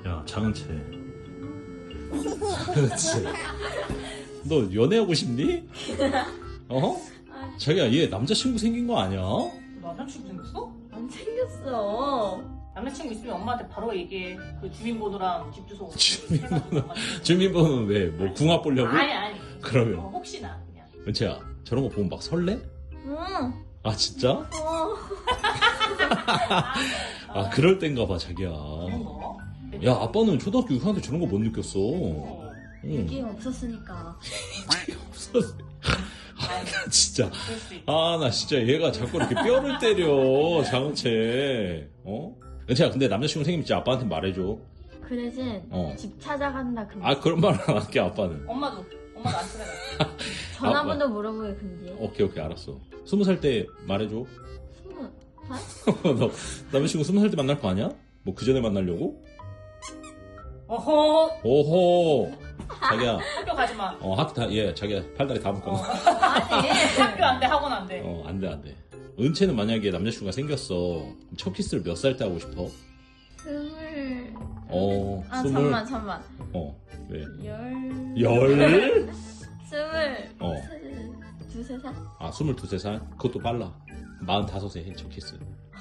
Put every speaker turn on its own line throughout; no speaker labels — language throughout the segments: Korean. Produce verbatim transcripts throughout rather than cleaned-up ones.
야, 장은채. 그렇지. 너 연애하고 싶니? 어? 자기야, 얘 남자친구 생긴 거 아니야?
남자친구 생겼어?
안 생겼어.
남자친구 있으면 엄마한테 바로 얘기해. 그 주민번호랑 집 주소.
주민번호. 주민번호는 왜? 뭐 궁합 보려고?
아니 아니.
그러면.
어, 혹시나 그냥.
은채야, 저런 거 보면 막 설레?
응.
아, 진짜?
어.
아, 그럴 땐가 봐, 자기야.
그런 거?
야, 아빠는 초등학교 육 학년 때 저런 거 못 느꼈어.
어.
응.
게임 없었으니까.
없었어.
아니,
진짜.
그럴 수 있지.
아, 나 진짜 얘가 자꾸 이렇게 뼈를 때려, 장은채. 어? 은채야, 근데 남자친구 생기면 진짜 아빠한테 말해줘.
그 대신
어.
집 찾아간다 금지.
아, 그런 말 안 할게, 아빠는.
엄마도 엄마도 안 찾아가.
전화번호 물어보기 금지.
오케이, 오케이, 알았어. 스무 살 때 말해줘.
스무 살?
너 남자친구 스무 살 때 만날 거 아니야? 뭐 그 전에 만나려고?
어허.
오호. 자기야,
학교 가지 마.
어, 학교 다, 예, 자기야, 팔다리 다 묶어.
어.
아니.
학교 안 돼, 학원 안 돼.
어, 안 돼, 안 돼. 은채는 만약에 남자친구가 생겼어. 그럼 첫 키스를 몇 살 때 하고 싶어?
스물.
어,
아
스물.
잠만 잠만.
어, 왜?
열.
열?
스물.
어.
세- 두세 살?
아, 스물두, 세 살? 그것도 빨라. 마흔다섯에 해, 첫 키스.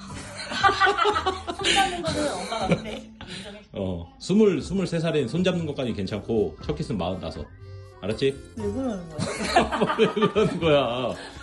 손 잡는 거는 엄마가 근데 인정해.
어, 스물, 스물세 살엔 손 잡는 것까지 괜찮고, 첫 키스는 마흔다섯. 알았지?
왜 그러는 거야?
왜 그러는 거야?